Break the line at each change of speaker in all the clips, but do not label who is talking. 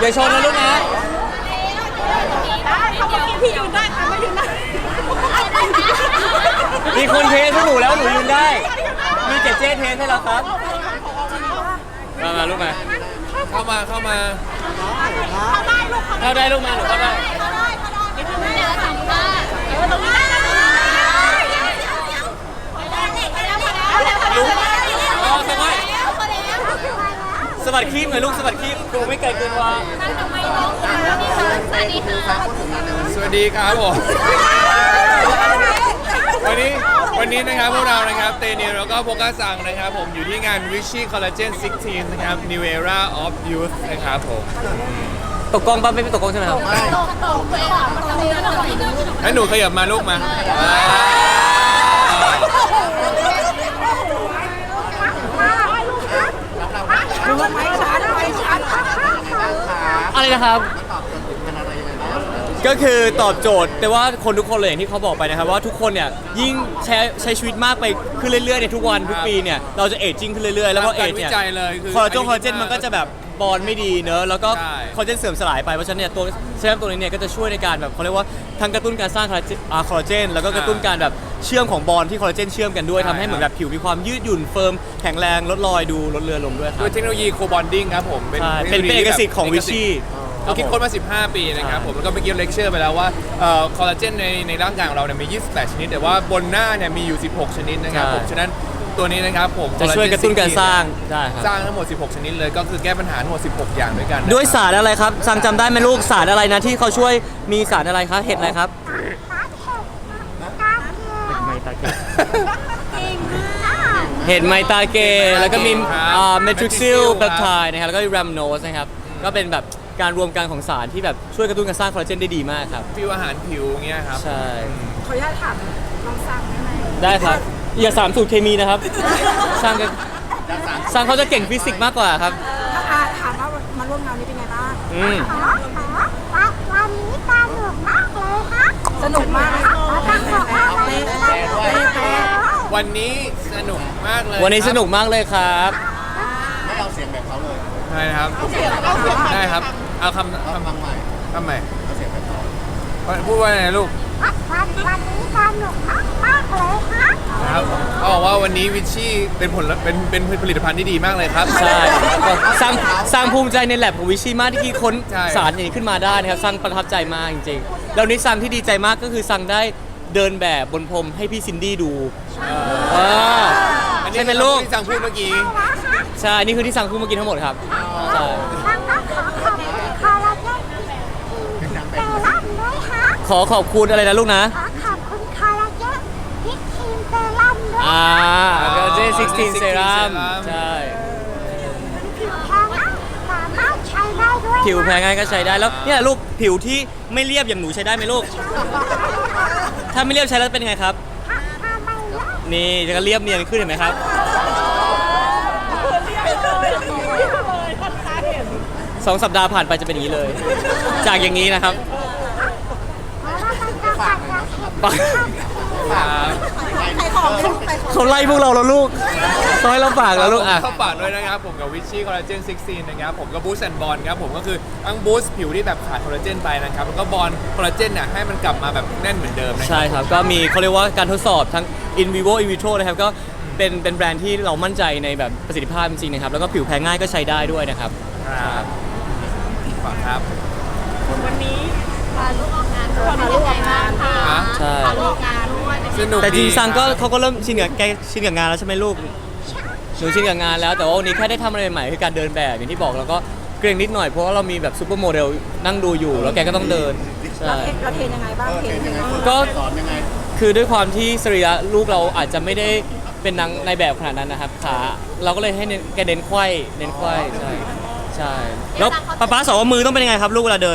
ชนนะลูกนะ
พี่ยืนได้ค่ะไม่ยืนได้
มีคนเทสให้หนูแล้วหนูยืนได้มีเจเจเทสให้เราครับมาลูกมา
เข้ามา
เข้าได้ลูก
มาหนูเข้าได้สวัสดีคีบหน่อยลูกสวัสดีคีบดูไม่ไกลเกินว่า
สวัสดีครับผมวันนี้นะครับพวกเรานะครับเตนิวแล้วก็โฟกัสซังนะครับผมอยู่ที่งาน Vichy Collagen 16 นะครับ New Era of Youth นะครับผม
ตกกล้องป่ะไม่ตกกล้องใช่ไหมครับ
ให้หนูขยับมาลูกมา
อะไรนะครับก็คือตอบโจทย์แต่ว่าคนทุกคนเลยอย่างที่เขาบอกไปนะครับว่าทุกคนเนี่ยยิ่งใช้ชีวิตมากไปขึ้นเรื่อยๆในทุกวันทุกปีเนี่ยเราจะเอจจิ้งขึ้นเรื่อยๆแล้วก็เอจเนี่ยคอลลาเจนมันก็จะแบบบอลไม่ดีเนอะแล้วก็คอลลาเจนเสื่อมสลายไปเพราะฉะนั้นเนี่ยตัวเซรั่มตัวนี้เนี่ยก็จะช่วยในการแบบเขาเรียกว่าทั้งกระตุ้นการสร้างคอลลาเจนแล้วก็กระตุ้นการแบบเชื่อมของบอลที่คอลลาเจนเชื่อมกันด้วยทำให้เหมือนแบบผิวมีความยืดหยุ่นเฟิร์มแข็งแรงลดรอยดูลดเลือนลงด้วยครับ
ด้วยเทคโนโลยีโคบอนดิ้งครับผม
เป็นเอกสิทธิ์ของวิชี
เราคิดค้นมา15 ปีนะครับผมแล้วก็เมื่อกี้เลคเชอร์ไปแล้วว่าคอลลาเจนในร่างกายของเราเนี่ยมี28ชนิดแต่ว่าบนหน้าเนี่ยมีอยู่16ชนิดนะครับผมฉะนั้นตัวนี้นะครับผม
จะช่วยกระตุ้นการสร้าง
สร้างทั้งหมด16ชนิดเลยก็คือแก้ปัญหาทั้งหมด16อย่างด้วยกัน
ด้วยสารอะไรครับซังจำได้ไหมลูกสารอะไรนะที่เขาช่วยมีสารอะไรครับเห็ดอะไรครับเห็ดไมตาเกแล้วก็มีเมทริกซิลเปปไทด์นะครับแล้วก็แรมโนสนะครับก็เป็นแบบการรวมกันของสารที่แบบช่วยกระตุ้นการสร้างคอลลาเจนได้ดีมากครับ
ฟิวอาหารผิวเงี้ยครับ
ใช่
ขออนุญาตถามน้องซังได้ไหม
ได้ครับอย่า3 สูตรเคมีนะครับซังเขาจะเก่งฟิสิกส์มากกว่าครับ
ถามว่ามาร่วมงานนี้เป็นไงบ้าง
วันนี้สนุกมากเลยค่ะ
สนุกมาก
วันนี้สนุกมากเลย
วันนี้สนุกมากเลยครับ
ไม่เอาเสียงแบบเขาเลย
ใช่ครับได้ครับเอาคำ
ใหม่
คำใหม่
เอาเสียงแบบเขา
พูดว่าไงลูก
วันนี้สนุกมากเลยค่ะ
ครับเขาบอกว่าวันนี้วิชชี่เป็นผลิตภัณฑ์ที่ดีมากเลยครับ
ใช่สร้างภูมิใจในแลบของวิชี่มากที่คิดค้นสารอย่างนี้ขึ้นมาได้นะครับสร้างประทับใจมากจริงๆแล้วนี้ซังที่ดีใจมากก็คือซังได้เดินแบบบนพรมให้พี่ซินดี้ดู
ใช่เป็นลูกที่ซังพูดเมื่อกี้
ใช่นี่คือที่ซังพูดเมื่อกี้ทั้งหมดครับใช่ขอขอบคุณอะไรนะลูกนะ
ขอบคุณคอลลาเจนพิกทีมเซรั่มด้วย
คอลลาเจน16เซรั่มใช่ผิวแพ้ง่ายก็ใช้ได้แล้วเนี่ยลูกผิวที่ไม่เรียบอย่างหนูใช้ได้ไหมลูกถ้าไม่เรียบใช้แล้วเป็นไงครับนี่จะเรียบเนียนขึ้นเห็นไหมครับ2 สัปดาห์ผ่านไปจะเป็นอย่างนี้เลยจากอย่างนี้นะครับเขาไล่พวกเราแล้วลูกต้องให้เราฝากแล้วลูก
เขาฝากด้วยนะครับผมกับวิชชี่คอลลาเจน16นะครับผมกับบูสต์แอนด์บอลครับผมก็คือทั้งบูสต์ผิวที่แบบขาดคอลลาเจนไปนะครับแล้วก็บอลคอลลาเจนเนี่ยให้มันกลับมาแบบแน่นเหมือนเดิมนะ
ใช่ครับก็มีเขาเรียกว่าการทดสอบทั้ง in vivo in vitro นะครับก็เป็นแบรนด์ที่เรามั่นใจในแบบประสิทธิภาพจริงๆนะครับแล้วก็ผิวแพ้ง่ายก็ใช้ได้ด้วยนะครับ
ฝากครับ
วันนี้พาลูกออกงานด้วยพาลูกออกงานค่ะ
ใช่
พาลูกออกงานด้วย
สนุก
แต่จริงซังก็เขาก็เริ่มชินกับงานแล้วใช่ไหมลูกหนูชินกับงานแล้วแต่ว่าวันนี้แค่ได้ทำอะไรใหม่คือการเดินแบบอย่างที่บอกแล้วก็เกรงนิดหน่อยเพราะว่าเรามีแบบซูเปอร์โมเดลนั่งดูอยู่แล้วแกก็ต้องเดิน
ใช่เราเทรนยังไงบ้างเทรนยังไง
ก็คือด้วยความที่สรีระลูกเราอาจจะไม่ได้เป็นนางในแบบขนาดนั้นนะครับขาเราก็เลยให้แกเน้นไขว้ใช่แล้วป๊าสอนว่ามือต้องเป็นยังไงครับลูกเวลาเดิน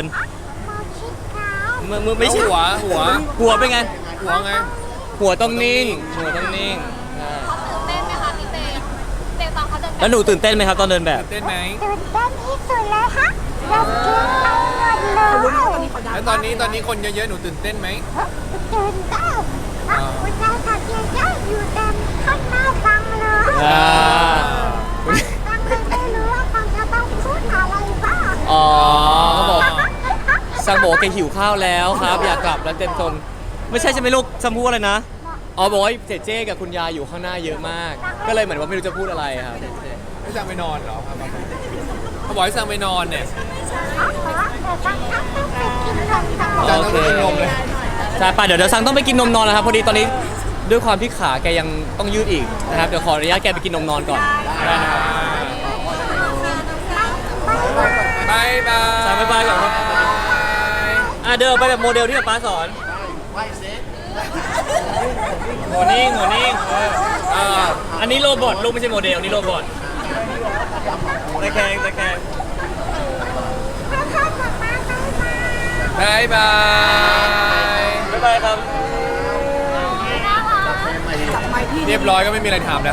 มือไม่ใช่หัวเป็นไงหัวต้องนิ่ง
เต้นไหมคะพี่เต้ตอนเขาเดิน
แล้วหนูตื่นเต้นไหมครับตอนเดินแบบ
ตื่นเต้นไหม
ตื่นเต้นที่สุดเลยค่ะอยากกินเอาหมดเลย
แล้วตอนนี้คนเยอะๆหนูตื่นเต้นไหม
ตื่นเต้นคุณยายกับยายอยู่เต็มข้างหน้าฟังเลยฟังเลยไม่รู้ว่าฟังจะต้องพูดอะไรบ้าง
ซังบอกว่าแกหิวข้าวแล้วครับอยากกลับแล้วเต็มตนไม่ใช่ใช่ไหมลูกซังพูดอะไรนะอ๋อบอกว่าเจเจกับคุณยายอยู่ข้างหน้าเยอะมาก ก็เลยเหมือนว่าไม่รู้จะพูดอะไรครับ
ให้สั่งไปนอนเหรอครับเขาบอกให้สั่งไปนอนเนี่ย
อ๋อแต่ต้องไปกินนมกัน
โอเคใช่ป่ะเดี๋ยวซังต้องไปกินนมนอนแล้วครับพอดีตอนนี้ด้วยความที่ขาแกยังต้องยืดอีกนะครับเดี๋ยวขออนุญาตแกไปกินนมนอนก่อนได้นะครับ
บายบาย
ซังบ๊ายบายก่อนครับเดินไปแบบโมเดลที่ป๊าสอน
ไหวเซ็ต
หัวนิ่งอันนี้โรบอทลูกไม่ใช่โมเดลนี่โรบอทตะแคง
บายบาย
บ๊ายบายครับ
เรียบร้อยก็ไม่มีอะไรถามแล้ว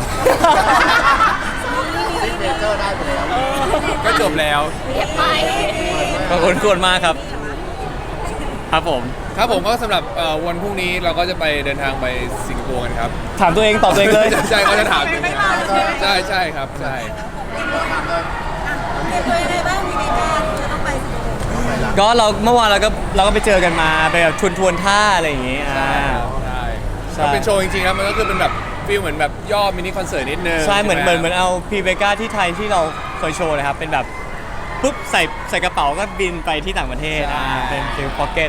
ซิกเนเจอร์ได้ไปแล้ว
ก็จบแล้ว
ขอบคุณมากครับ ครับผม
ครับผมก็สำหรับวันพรุ่งนี้เราก็จะไปเดินทางไปสิงคโปร์กันครับ
ถามตัวเองตอบตัวเองเลย
ใช่เขาจะถามใช่ใช่ครับใช่
ก็เราเมื่อวานเราก็ไปเจอกันมาไปแบบทวนท่าอะไรอย่างงี้
ใช่
ใช่
ก็เป็นโชว์จริงๆครับมันก็คือเป็นแบบฟีลเหมือนแบบย่อมินิคอนเสิร์ตนิดนึง
ใช่เหมือนเอาพีเบก้าที่ไทยที่เราเคยโชว์นะครับเป็นแบบปุ๊บใส่กระเป๋าก็บินไปที่ต่างประเทศเป็นฟิลพ็อกเก็ต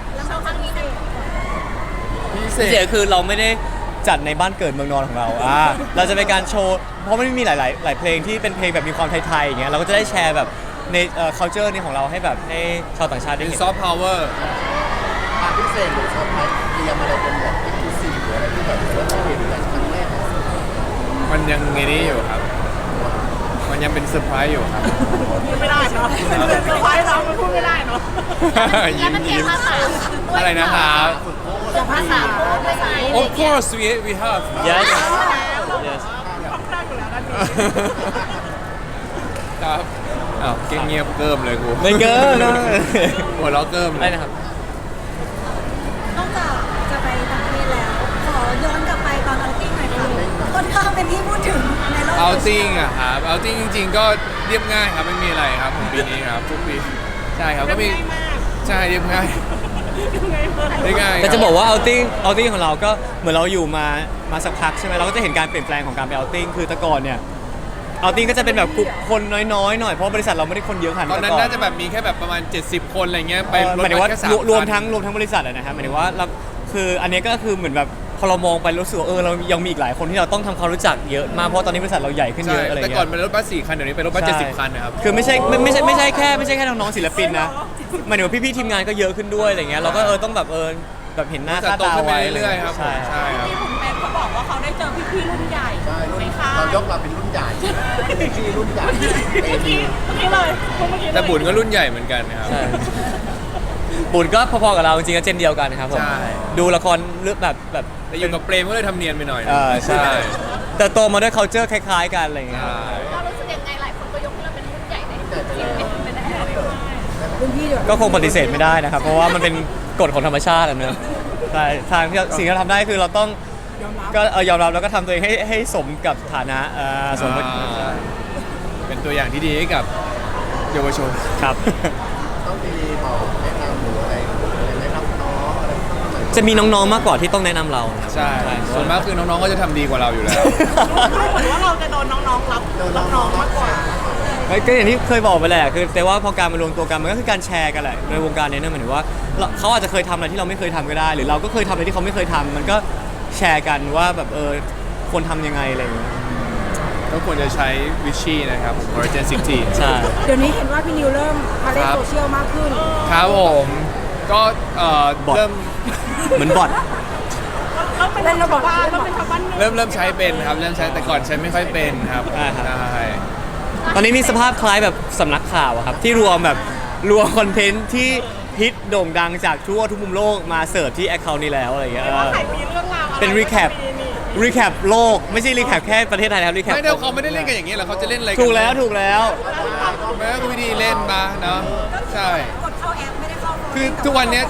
พิเศ
เสีย
ษ
คือเราไม่ได้จัดในบ้านเกิดเมืองนอนของเราเราจะเป็นการโชว์เพราะมันมีหลายเพลงที่เป็นเพลงแบบมีความไทยๆอย่างเงี้ยเราก็จะได้แชร์แบบในculture นี้ของเราให้แบบให้ชาวต่างชาติได้
เป็น
เห็น
ซอฟต์พาวเวอร์
ความพิเศษหรือชอบไหมเตรียมอะไรเป็นแบบเอ็กซ์คลูซีฟหรืออะไรที่แบบว่าเราเห็นกันครั้งแรก
มันยังไงนี้อยู่ครับ มันยังเป็นเซอร์ไพรส์อยู่ครับ
ไม่ได้เนาะเซอร์ไพรส์เรามันพูดไม่ได้เนาะ
ยิ้มอะไรนะครับ
ภาษาภาษา
Of course we have
yes yes
ครับอ้าวเก่งเงียบเกิมเลยกู
ไม่เกินนะ
หัวเราะเกิมเล
ได้
ย
นะครับ
นอกจากจะไปต่างประเทศแล้ว ขอย้อนกลับไปตอนเอาติ้งหน่อยค่ะค่อนข้างเป็นที่พูดถึงในโลก
เอา
โซเชี
ติ้
ย
ง
ล
อะครับเอาติ้งจริงๆ ก็เรียบง่ายครับไม่มีอะไรครับของปีนี้ครับทุกปีใช่ครับก็มีใช่เรียบง่ายเรียบง่าย
แต่จะบอกว่าเอาติ้งของเราก็เหมือนเราอยู่มาสักพักใช่ไหมเราก็จะเห็นการเปลี่ยนแปลงของการไปเอาติ้งคือแต่ก่อนเนี่ยเอาติ้งก็จะเป็นแบบกลุ่มคนน้อยๆหน่อยเพราะบริษัทเราไม่ได้คนเยอะขนาด
ตอนนั้น
แต่ก่
น่าจะแบบมีแค่แบบประมาณ 70 คนอะไรเงี้ยไปรถ
หมายถึงว่า
แค่3
รวมทั้งบริษัทอะนะครับหมายถึงว่าเราคืออันนี้ก็คือเหมือนแบบพอเรามองไปรู้สึกว่าเรายังมีอีกหลายคนที่เราต้องทำความรู้จักเยอะมากเพราะตอนนี้บริษัทเราใหญ่ขึ้นเย
ใช่
อะอะไร
แต่
เงี้
ก่อน
ย
เป็นรถบัส4 คันเดี๋ยวนี้เป็นรถบัส
ใช่
70 คันนะครับ
คือไม่ใช่แค่น้องๆศิลปินนะหมายถึงว่าพี่ๆทีมงานก็เยอะขึ้นด้วยอะไรเงี้ยเราก็ต้องแบบแบบเห็นหน้า
บริษั
ค่า
ทโต
ตา
ขึ้นไป
ไว้
เรื่อยๆครับผม
ใช่
ใช่ครับ
ที่คุณแม่เขาบอกว่าเขาได้เจอพี่ๆรุ่นใหญ่
ใช่รุ่น
ในค่าย
เรายกเราเป็นรุ่นใหญ่ที่รุ่นใหญ่เอ
เมื่อ
ที
กี้เลยเมื่อกี้เลย
แต่บุญก็รุ่นใหญ่เหมือนกันนะครับ
ใช่บุญก็พอๆกับเราจริงๆก็เจนเดียวกันนะครับผม
ใช่
ดูละครเรื่องแบบ
แต่อยู่กับเปรมก็เลยทำเนียนไปหน่อย
ใช่แต่โตมาด้วย culture คล้ายๆกันอะไรเงี้ย
ใช่
เรารู้สึกยังไงหลายคนก็ยกให้เราเป็นรุ่นใหญ่ในทีมเป็นแน่
รุ่นพี่ด้วย
ก็คงปฏิเสธไม่ได้นะครับ เพราะว่ามันเป็นกฎของธรรมชาติอะเนอะใช่ทางที่สิ่งที่เราทำได้คือเราต้องก็ยอมรับแล้วก็ทำตัวเองให้สมกับฐานะสมกับ
เป็นตัวอย่างที่ดีให้กับเยาวชน
ครับ
ต้องมีบอกแนะนำหรืออะไรแนะนำน้องอะไรต้องหน่อย
จะมีน้องๆมากกว่าที่ต้องแนะนำเรานะครับ
ใช่ส่วนมากคือน้องๆก็จะทำดีกว่าเราอยู่แล้ว
ๆเหมือนว่าเราจะโดนน้องๆรับน้องๆมากกว่า
ก็อย่างที่เคยบอกไปแหละคือแต่ว่าพอการมารวมตัวกันมันก็คือการแชร์กันแหละในวงการนี้เนี่ยหมายถึงว่าเขาอาจจะเคยทำอะไรที่เราไม่เคยทำก็ได้ หรือเราก็เคยทำอะไรที่เขาไม่เคยทำมันก็แชร์กันว่าแบบควรทำยังไงอะไรอย่างเงี้ย
ก็ควรจะใช้วิชชี่นะครับ Origin 16
ใช่
เดี๋ยวนี้เห็นว่าพี่นิวเริ่มมาเล่น
ครับ
โซเชียลมากขึ้น
ครับผมก็เริ่ม
เหมือนบอท
เราเป็นชาวบ้านเราเป็นชาวบ้าน
เริ่มใช้เป็นครับเริ่มใช้แต่ก่อนใช้ไม่ค่อยเป็นครับ
ใช่ครับ
ใช่
ตอนนี้มีสภาพคล้ายแบบสำนักข่าวอะครับที่รวมคอนเทนต์ที่ฮิตโด่งดังจากทั่วทุกมุมโลกมาเสิร์ฟที่แอคเคาท์นี้แล้วอะไรอย่างเงี้ย
ว่าใครมีเรื่องราวอะไร
เป็นรีแคปโลกไม่ใช่รีแคปแค่ประเทศไทยนะครับรีแคป
ไม่ได้เขาไม่ได้เล่นกันอย่างนี้หรอกเขาจะเล่นอะไรกัน
ถูกแล้ว
แม้ก็วิธีเล่นมาเนาะใช่
กดเข้าแอปไม่ได้เข้าโปร
คือทุกวันเนี้ย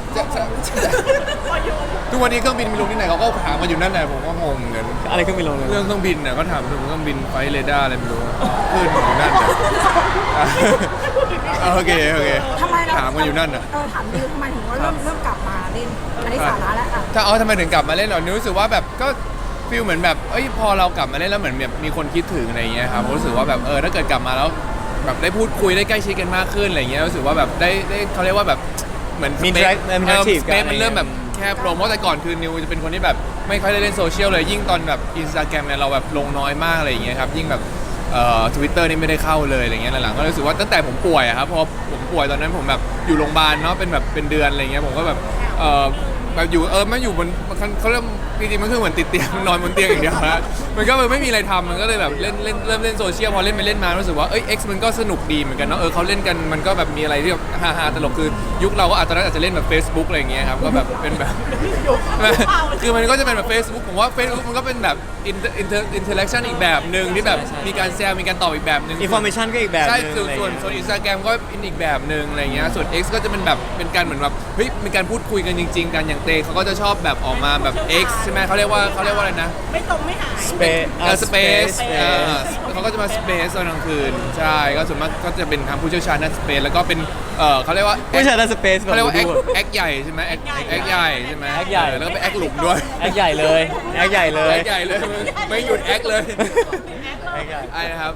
ทุกวันนี้เครื่องบินมีลงที่ไหนเขาก็ถามกันอยู่นั่นแหละผมก็งงเหมือนกัน
อะไรก็ไม่ลงเลย
เรื่องเครื่องบินเนี่ยก็ถามถึงเครื่องบินไฟท์เรดาร์อะไรไม่รู้ขึ้นอยู่นั่นแหละโอเค
ทำไมเรา
ถามกันอยู่นั่นน่ะ
ถามดิวทำไมถึงว่าเริ่มกลับมาเล่นอันนี้สาระแล้วอ่ะ
ถ้าทำไมถึงกลับมาเล่นเหรอนิวรู้สึกว่าแบบก็ฟีลเหมือนแบบพอเรากลับมาเล่นแล้วเหมือนแบบมีคนคิดถึงอะไรอย่างเงี้ยครับผมรู้สึกว่าแบบถ้าเกิดกลับมาแล้วแบบได้พูดคุยได้ใกล้ชิดกันมากขึ้นอะไรอย่างเงี้ยรู้สึกว่าแบบได้เขาเรียกว่าแบบเหมือน
มี
สเปซมันเริ่มแบบแคบลงเพราะแต่ก่อนคือนิวจะเป็นคนที่แบบไม่ค่อยได้เล่นโซเชียลเลยยิ่งตอนแบบอินสตาแกรมเนี่ยเราแบบลงน้อยมากอะไรอย่างเงี้ยครับยิ่งแบบTwitter นี่ไม่ได้เข้าเลยอะไรเงี้ยหลังๆก็รู้สึกว่าตั้งแต่ผมป่วยอะครับพอผมป่วยตอนนั้นผมแบบอยู่โรงพยาบาลเนาะเป็นเดือนอะไรเงี้ยผมก็แบบแบบอยู่ไม่อยู่บนเขาเริ่มจริงๆมันคือเหมือนติดเตียงนอนบนเตียงอย่างเดียวนะมันก็ไม่มีอะไรทำมันก็เลยแบบเริ่มเล่นโซเชียลพอเล่นไปเล่นมารู้สึกว่าX มันก็สนุกดีเหมือนกันเนาะเขาเล่นกันมันก็แบบมีอะไรที่แบบฮาๆตลกคือยุคเราก็อาจจะเล่นแบบ Facebook อะไรอย่างเงี้ยครับก็แบบเป็นแบบคือมันก็จะเป็นแบบ Facebook ผมว่า Facebook มันก็เป็นแบบinteraction อีกแบบหนึ่งที่แบบมีการแซวมีการตอบอีกแบบหนึ่ง
information ก็อีกแบบ
ใช่
นึง
ส่วน Instagram ก็อีกแบบหนึ่งอะไรเงี้ยส่วน X ก็จะเป็นแบบเป็นการเหมือนแบบมีการพูดคุยกันจริงๆกันอย่างเตเขาก็จะชอบแบบออกมาแบบ X ใช่ไหมเขาเรียกว่าอะไรนะ
ไม่ตรงไม่หาย
Space เขาก็จะมา Space ตอนกลางคืนใช่ก็ส่วนมากก็จะเป็นทางผู้เชี่ยวชาญด้าน Space แล้วก็เป็นเขาเรียกว่า
ผู้ชายด้านสเปซ
เขาเรียกว่า X ใหญ่ใช่ไหม X ใหญ่ใช่ไหม
X ใหญ่
แล้วก็เป็น X หลุมด้วย
แอคใหญ่เลยแอคใหญ่เลย
X ใหญ่เลยไม่หยุด X เลย
แอคใหญ่
ไอ้นะครับ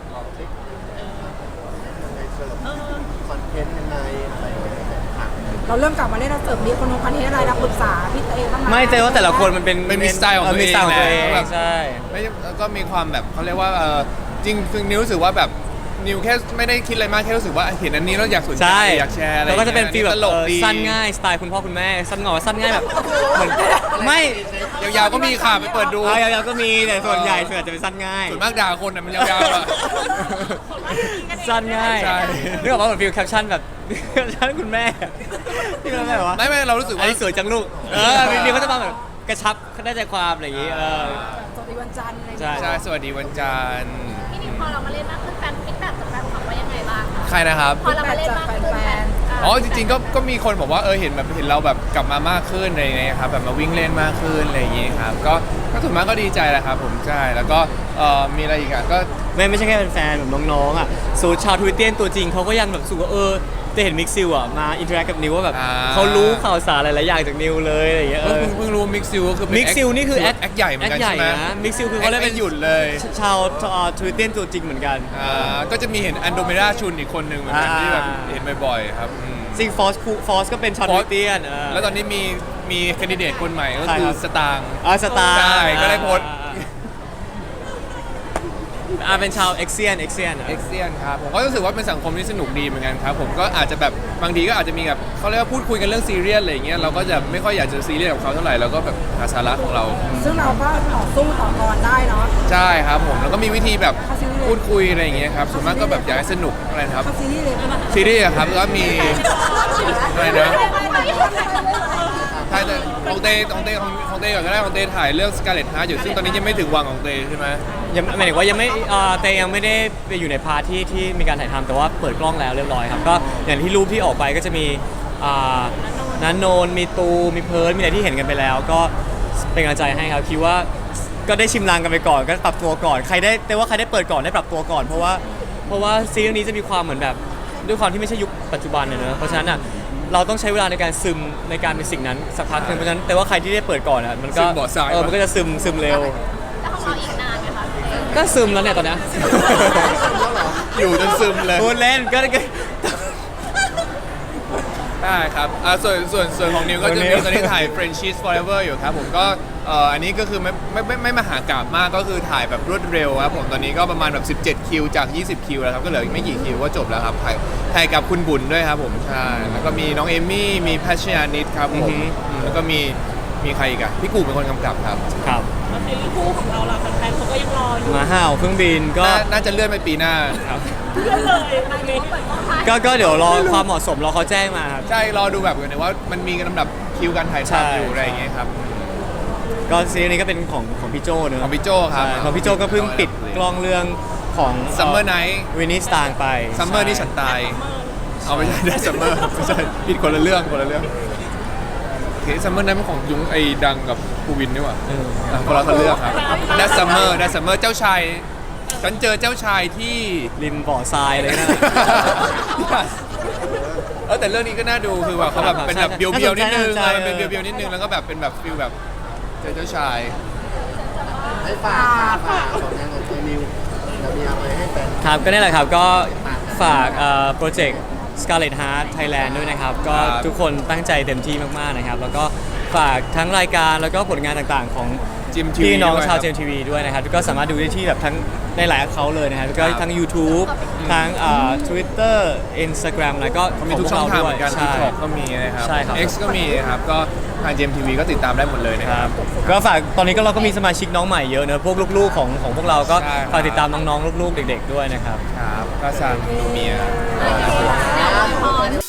ในเชิงคอนเทนต์ยังไงอะไรอย่างเงี้ยค่ะ
เราเริ่มกลับมาเล่นเราเสริมมีคนคอนเทนต์อะไรเราปรึกษาพี่เต้บ้างไหม
ไม่แต่ว่าแต่ละคนมันเป็น
มันมีสไตล์ของตัวเอง
มีสไตล์ของตัวเอง
แบบ
ใช่
ไม่ก็มีความแบบเขาเรียกว่าจริงคือนิวรู้สึกว่าแบบนิวแค่ไม่ได้คิดอะไรมากแค่รู้สึกว่าเห็นอันนี้แล้วอยากสนใจ
ใช่
อยากแชร์อะไร
แล้วก็จะเป็นฟีลแบบ
ตลกดี
สั้นง่ายสไตล์คุณพ่อคุณแม่สั้นงอสั้นง่ายแบบเหมือนไม่
ยาวๆก็มีค่ะไปเปิดดู
ยาวๆก็มีแต่ส่วนใหญ่ส่วนใหญ่จะเป็นสั้นง่าย
ส่วนมากด่าคนน่ะมันยาวๆอ่ะ
สั้นง่าย
ใช่
นึกออกว่าเหมือนฟีลแคปชั่นแบบ แคปชั่นคุณแม่ที่มันแบบว่า
ไม่เรารู้สึก
อัน
ว่า
นี้สวยจังลูกมีเขาจะมาแบบกระชับได้ใจความอะไรอย่างงี้
สวัสดีวันจันทร์อะไรอย่าง
ใช่
เงี้ย
ใช่สวัสดีวันจันทร์
พี่นิวพอเรามาเล่นมากขึ้นแฟนฟีดแบ็กจากแฟนคลับว่ายังไงบ้างคะ
ใครนะครับ
พอเรามาเล่นมากขึ้นแฟน
อ๋อจริงๆก็มีคนบอกว่าเห็นเราแบบกลับมามากขึ้นอะไรอย่างเงี้ยครับแบบมาวิ่งเล่นมากขึ้นอะไรอย่างเงี้ยครับก็ส่วนมากก็ดีใจแหละครับผมใช่แล้วก็มีอะไรอีกอ่ะก็
ไม่ใช่แค่เป็นแฟนแบบน้องๆอ่ะสูชาวทวิตเตียนตัวจริงเขาก็ยังแบบสูว่าจะเห็นมิกซิลอ่ะมาอินเทอร์แอคกับนิวว่าแบบเขารู้ข่าวสารหลายๆอย่างจากนิวเลยอะไรอย่างเงี้ย
เพิ่งรู้มิกซิลก็คือ
มิกซิลนี่คือแอค
ใหญ่เหมือนกันใช่ไหม
นะมิกซิลคือเขาเรียก
ไม่
เป็น
หยุดเลย
ชาวทวิตเตียนตัวจริงเหมือนกัน
ก็จะมีเห็นอันโดเมดาชุนอีกคนหนึ่งเหมือนกันที่แบบเห็นบ่อยๆครับอืม
ซิงฟอสก็เป็นชาวทวิตเตียน
แล้วตอนนี้มีแคนดิเดตคนใหม่ก็
ใคร
คื
ครั
อบ สตางค์
สตาร์
ใช่ก็ได้โพสต์
เป็นชาวเอ็กเซียน
เอ็กเซียนครับผมก็รู้สึกว่าเป็นสังคมที่สนุกดีเหมือนกันครับผมก็อาจจะแบบบางทีก็อาจจะมีแบบเขาเรียกว่าพูดคุยกันเรื่องซีเรียสอะไรอย่างเงี้ยเราก็จะไม่ค่อยอยากจะซีเรียสกับเขาเท่าไหร่เราก็แบบหาสาระของเรา
ซึ่งเราก็ต่อสู้ต่อกรได้เนาะ
ใช่ครับผมแล้วก็มีวิธีแบบพูดคุยอะไรอย่างเงี้ยครับส่วนมากก็แบบอยากให้สนุกอะไรนะครับ
เข้าซีรีส์เลยป่ะ
ซีรีส์อะครับแล้วก็มีอะไรนะถ่ายแต่ของเต้ก่อนก็ได้ของเต้ถ่ายเรื่อง Scarlet Heart อยู่ซึ่งตอนนี้ยังไม่ถึงวังของเต้ใช่ไหม
ยังหมายถึงว่ายังไม่เตยังไม่ได้ไปอยู่ในพาร์ทที่มีการถ่ายทำแต่ว่าเปิดกล้องแล้วเรียบร้อยครับก็อย่างที่รูปที่ออกไปก็จะมีนันโนนมีตูมีเพิร์ลมีอะไรที่เห็นกันไปแล้ว ก็เป็นกำลังใจให้ครับคิดว่าก็ได้ชิมลางกันไปก่อนก็ปรับตัวก่อนใครได้เปิดก่อนได้ปรับตัวก่อนเพราะว่าซีรีส์นี้จะมีความเหมือนแบบด้วยความที่ไม่ใช่ยุคปัจจุบันเนอะเพราะฉะนั้นอ่ะเราต้องใช้เวลาในการซึมในการเป็นสิ่งนั้นสักพักหนึงเพราะฉะนั้นแต่ว่าใครที่ได้เปิดก่อนอ่ะมันก็
ซึมบ่อทราย
มันก็จะซึมเร็ว
แล้วของเราอีกนานไหมคะ
ก็ซึมแล้วเนี่ยตอนเนี้ย
อยู่จนซึมเลย
พูดเล่นก็
ได้ครับส่วนของนิวก็จะมีตอนนี้ถ่าย Friendship Forever อยู่ครับผมก็อันนี้ก็คือไม่มหากาพย์มากก็คือถ่ายแบบรวดเร็วครับผมตอนนี้ก็ประมาณแบบ17คิวจาก20คิวแล้วครับก็เหลืออีกไม่กี่คิวก็จบแล้วครับถ่ายกับคุณบุญด้วยครับผมใช่แล้วก็มีน้องเอมี่มีพัชญานิดครับผมแล้วก็มีใครอีกอะพี่กูเป็นคนกำกับครับ
ครับ
แล้วซีรีส์คู่ของเราล่ะแฟนๆเขาก็ยังรออยู่
หมาห่าวเครื่องบินก็
น่าจะเลื่อนไปปีหน้าครับ
เพื่อนเลยตอนนี้เปิดกล้องถ่าย
ก็เดี๋ยวรอความเหมาะสมรอเขาแจ้งมาครับ
ใช่รอดูแบบกันว่ามันมีลำดับคิวการถ่าย
ใช่
ทำอยู่อะไรอย่างเงี้ยครับ
ก็ซีรีส์นี้ก็เป็นของพี่โจเนอะ
ของพี่โจครับ
ใช่ของพี่โจก็เพิ่งปิดกล้องเรื่องของ
Summer Night
วินนี่สตางไป
ซัมเมอร์นี่ฉันตายเอาไม่ใช่ได้ซัมเมอร์ไม่ใช่ผิดคนละเรื่องโอเคซัมเมอร์นั้นเป็นของยุ้งไอ้ดังกับภูวินนี่หว่า คนละเรื่องครับได้ซัมเมอร์เจ้าชายฉันเจอเจ้าชายที่
ริมบ่อทรายเลยนะ
แต่เรื่องนี้ก็น่าดูคือว่าเขาแบบเป็นแบบเบียวๆนิดนึง
น่าสนใจ
มันเป็นเบียวๆนิดนึงแล้วก็แบบเป็นแบบฟิลแบบเจ้าชาย
ให้ฝากของงานของตัวนิวเรามีอะไรให้แฟน
ครับก็นี่แหละครับก็ฝากโปรเจกต์ Scarlet Heart Thailand ด้วยนะครับ ก็ทุกคนตั้งใจเต็มที่มากๆนะครับ แล้วก็ฝากทั้งรายการแล้วก็ผลงานต่างๆของ
จิมทีวี
พี่น้อง
ด้วย
ชาว
ครับ
เจมทีวีด้วยนะครับก็สามารถดูได้ที่แบบทั้งในหลายแอคเคาท์เลยนะครับแล้วก็ทั้ง YouTube ทั้งTwitter Instagram แล้วก็
เขามีทุกช่องทางเหมือนกัน
ใช่
TikTok ก็มีนะครับ
ใช่ครับ
X ก็มีนะครับก็ทาง GMTV ก็ติดตามได้หมดเลยนะ
ค
ค
รั
รั
บบ ก็ฝากตอนนี้ก็เราก็มีสมาชิกน้องใหม่เยอะเนอะพวกลูกๆของพวกเราก็
ใช่ครับ
ฝากติดตามน้องๆลูกๆเด็กๆด้วยนะครับ
ครับก็ซังดูเมีย
พร้อม